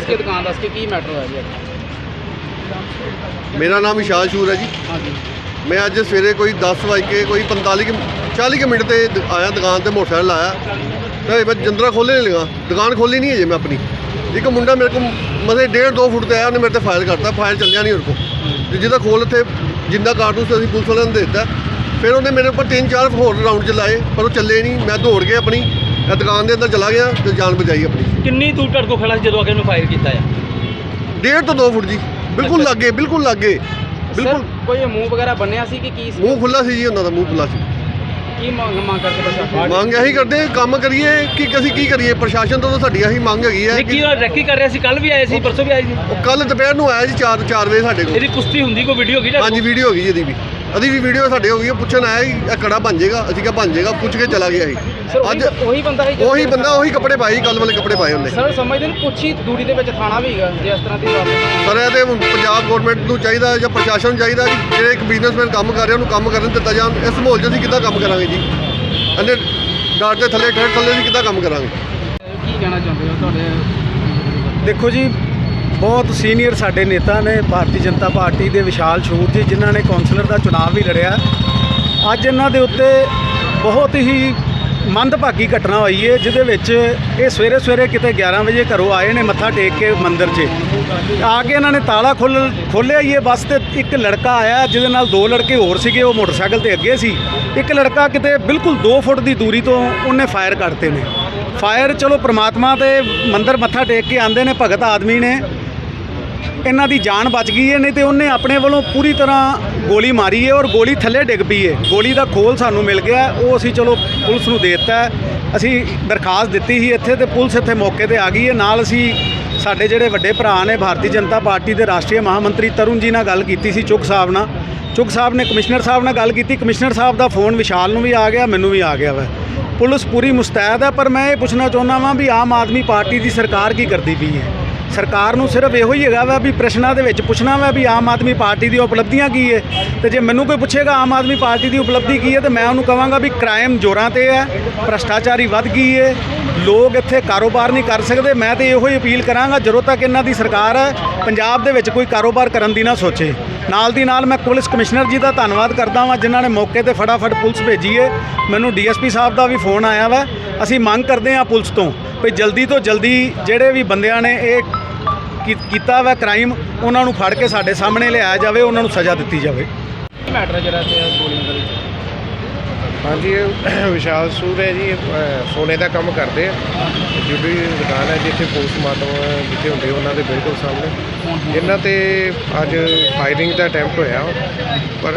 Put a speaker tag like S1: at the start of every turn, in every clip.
S1: ਦੱਸ ਕੇ ਦੁਕਾਨ ਦੱਸ ਕੇ ਕੀ ਮੈਟਰ ਹੋਇਆ ਜੀ?
S2: ਮੇਰਾ ਨਾਮ ਵਿਸ਼ਾਲ ਸ਼ੂਰ ਹੈ ਜੀ।
S1: ਹਾਂਜੀ।
S2: मैं अज सवेरे कोई 10 बज के कोई 40 मिनट से आया दुकान से, मोटरसाइकिल आया तो मैं जंदरा खोलने नहीं लगा, दुकान खोली नहीं है जी मैं अपनी। एक मुंडा मेरे को मतलब 1.5-2 फुट से आया, उन्हें मेरे से फायर करता, फायर चलिया नहीं उनको जिदा खोल थे जिंदा कारतूस अभी पुलिस वाले ने दे दिता। फिर उन्हें मेरे ऊपर 3-4 होर राउंड चलाए पर वो चले नहीं। मैं दौड़ के अपनी दुकान के अंदर चला गया तो जान बचाई अपनी।
S3: कितनी दूर तक खड़ा जो आगे फायर किया?
S2: 1.5 ਤੋਂ 2 फुट जी, बिल्कुल लागे, बिल्कुल लागे, बिल्कुल।
S1: कोई मुंह वगैरह बनया सी कि की
S2: मूँह खुला सी जी, उन्होंने मूँह खुला सी।
S1: की मांग करके प्रशासन
S2: ਮੰਗ ਇਹੀ ਕਰਦੇ ਕੰਮ ਕਰੀਏ ਕਿ ਅਸੀਂ ਕੀ ਕਰੀਏ, ਪ੍ਰਸ਼ਾਸਨ ਤੋਂ ਤਾਂ ਸਾਡੀ ਇਹੀ ਮੰਗ ਹੈਗੀ ਹੈ।
S3: ਕੀ ਰੈਕੀ ਕਰ ਰਿਹਾ ਸੀ? ਕੱਲ ਵੀ ਆਏ ਸੀ, ਪਰਸੋਂ ਵੀ ਆਏ ਸੀ।
S2: ਉਹ ਕੱਲ ਦੁਪਹਿਰ ਨੂੰ ਆਇਆ ਜੀ 4 ਵਜੇ ਸਾਡੇ ਕੋਲ।
S3: ਇਹਦੀ ਪੁਸ਼ਟੀ ਹੁੰਦੀ ਕੋਈ ਵੀਡੀਓ ਹੈਗੀ?
S2: ਹਾਂਜੀ ਵੀਡੀਓ ਹੋ ਗਈ ਇਹਦੀ ਵੀ, ਉਹਦੀ ਵੀ ਵੀਡੀਓ ਸਾਡੇ ਹੋ ਗਈ। ਉਹ ਪੁੱਛਣ ਆਇਆ ਜੀ ਇਹ ਕੜਾ ਬਣ ਜਾਏਗਾ, ਅਸੀਂ ਕਿਹਾ ਬਣ ਜਾਏਗਾ, ਪੁੱਛ ਕੇ ਚਲਾ ਗਿਆ ਸੀ।
S1: ਅੱਜ ਉਹੀ ਬੰਦਾ
S2: ਉਹੀ ਕੱਪੜੇ ਪਾਏ, ਕੱਲ ਵਾਲੇ ਕੱਪੜੇ ਪਾਏ ਉਹਨੇ।
S1: ਸਰ ਸਮਝਦੇ ਨੇ ਕੁਛ ਹੀ ਦੂਰੀ ਦੇ ਵਿੱਚ ਥਾਣਾ ਵੀ ਹੈਗਾ ਜੇ ਇਸ ਤਰ੍ਹਾਂ ਦੀ
S2: ਸਰ ਇਹ ਤੇ ਪੰਜਾਬ ਗਵਰਨਮੈਂਟ ਨੂੰ ਚਾਹੀਦਾ ਜਾਂ ਪ੍ਰਸ਼ਾਸਨ ਨੂੰ ਚਾਹੀਦਾ ਕਿ ਜਿਹੜੇ ਇੱਕ ਬਿਜ਼ਨਸਮੈਨ ਕੰਮ ਕਰ ਰਿਹਾ ਉਹਨੂੰ ਕੰਮ ਕਰਨ ਦਿੱਤਾ ਜਾਣ। ਇਸ ਮਾਹੌਲ 'ਚ ਅਸੀਂ ਕਿੱਦਾਂ ਕੰਮ ਕਰਾਂਗੇ ਜੀ? ਇਹਨੇ ਡਾਟ ਦੇ ਥੱਲੇ ਅਸੀਂ ਕਿੱਦਾਂ ਕੰਮ ਕਰਾਂਗੇ?
S1: ਕੀ ਕਹਿਣਾ ਚਾਹੁੰਦੇ ਹੋ ਤੁਹਾਡੇ?
S4: देखो जी, बहुत सीनियर साडे नेता ने भारतीय जनता पार्टी के विशाल शूर जी, जिन्होंने कौंसलर का चुनाव भी लड़िया। अज इन्हां दे उत्ते बहुत ही मंदभागी घटना हुई है जिहदे विच ये सवेरे किते 11 बजे घरों आए ने मत्था टेक के मंदिर 'च आके इन्होंने ताला खोलिया ही है। बस तो एक लड़का आया जिहदे नाल 2 लड़के होर सीगे, वो मोटरसाइकिल ते अगे सी। एक लड़का किते बिल्कुल 2 फुट की दूरी तो उन्हें फायर करते ने। फायर चलो परमात्मा के मंदिर मत्था टेक के आंदे ने भगत आदमी ने, इन्हां दी जान बच गई है, नहीं तो उन्हें अपने वालों पूरी तरह गोली मारी है और गोली थल्ले डिग पई है। गोली का खोल सानू मिल गया, वो असी चलो पुलिस नूं दे दित्ता है। असी दरखास्त दित्ती ही इत्थे ते पुलिस इत्थे मौके ते आ गई है। नाल असी साडे जिहड़े वड्डे भरा ने भारतीय जनता पार्टी के राष्ट्रीय महामंत्री तरुण जी नाल गल कीती सी, चुग साहब नाल। चुग साहब ने कमिश्नर साहब नाल गल कीती, कमिश्नर साहब का फोन विशाल नूं भी आ गया, मैनूं भी आ गया वा। पुलिस पूरी मुस्तैद है, पर मैं ये पुछना चाहुंदा वां भी आम आदमी पार्टी की सरकार की करती पई है? सरकार नूं सिर्फ इहो ही हैगा वा भी प्रश्नां दे विच पुछना वा भी आम आदमी पार्टी दी उपलब्धियां की है। तो जे मैनूं कोई पुछेगा आम आदमी पार्टी की उपलब्धि की है तो मैं उन्होंने कहांगा भी क्राइम जोरां ते है, भ्रष्टाचारी वध गई है, लोग इत्थे कारोबार नहीं कर सकते। मैं तो इहो ही अपील करांगा ਜਦੋਂ तक इन्हां दी सरकार है पंजाब दे विच कोई कारोबार करन दी ना सोचे। नाल दी नाल मैं पुलिस कमिश्नर जी का धन्नवाद करदा वां जिन्हां ने मौके ते फटाफट पुलिस भेजी है। मैनूं DSP साहब का भी फोन आया वा। असीं मंग करदे हां पुलिस तो भी जल्दी तो जल्दी जिहड़े भी बंदियां ने ये कीता वा क्राइम उन्हां नूं फड़ के साडे सामने लिआया जावे, उन्हां नूं सज़ा दित्ती जावे।
S1: मैटर है जरा गोलियां दे विच?
S5: हाँ जी, विशाल सूर है जी, सोने का काम करते हैं। जुड़ी दुकान है जिथे पोस्टमार्टम जिथे होंगे उन्होंने बिल्कुल सामने इन्हों ते अज फायरिंग का अटैम्प्ट होया पर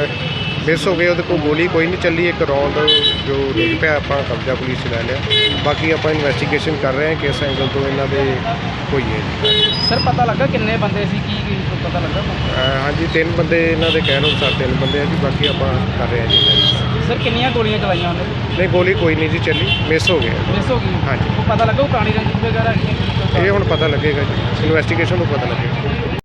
S5: मिस हो गए। वो गोली कोई नहीं चली, एक राउंड जो डिग पिया आप कब्जा पुलिस ले लिया। बाकी आप इन्वेस्टिगेशन कर रहे हैं किस एंगल तो इन्हों के हुई है जी।
S1: सर पता लगा किन्ने बंदे सी की पता लगा?
S5: हाँ जी, 3 बंदे इन्हों के कहने अनुसार 3 बंदे हैं जी। बाकी आप कर रहे हैं जी।
S1: सर कितनी गोलियां चलाइया उन्होंने?
S5: नहीं, गोली कोई नहीं जी चली, मिस हो गया।
S1: मिस हो गई?
S5: हाँ जी।
S1: वो पता लगा पुरानी रंजिश वगैरह?
S5: ये हुण पता लगेगा जी, इन्वेस्टिगेशन तो पता लगेगा।